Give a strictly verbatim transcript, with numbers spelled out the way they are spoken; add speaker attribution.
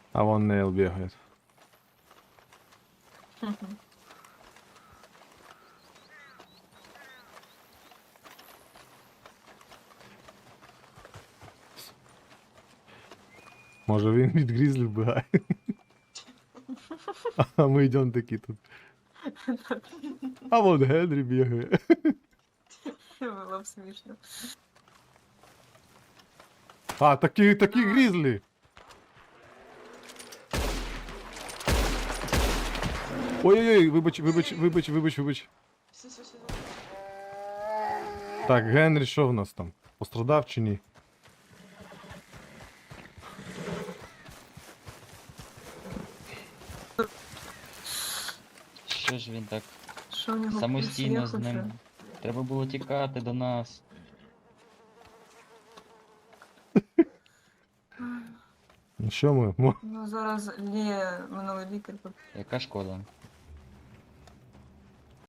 Speaker 1: А вон Нейл бегает. Може він від грізлі вбігає. А ми йдемо такі тут. А вон Генрі бігає.
Speaker 2: Было б смешно.
Speaker 1: А, такі, такі грізлі. Ой-ой-ой, вибач, вибач, вибач, вибач, вибач.
Speaker 2: Все, все, все.
Speaker 1: Так, Генрі, що в нас там? Пострадав чи ні?
Speaker 3: Що ж він так
Speaker 2: Що у нього
Speaker 3: самостійно з
Speaker 2: пульс є
Speaker 3: ним?
Speaker 2: хоча?
Speaker 3: Треба було тікати до нас.
Speaker 1: Ну що ми? Мо-
Speaker 2: Ну зараз Лія, минулий лікар.
Speaker 3: Яка шкода?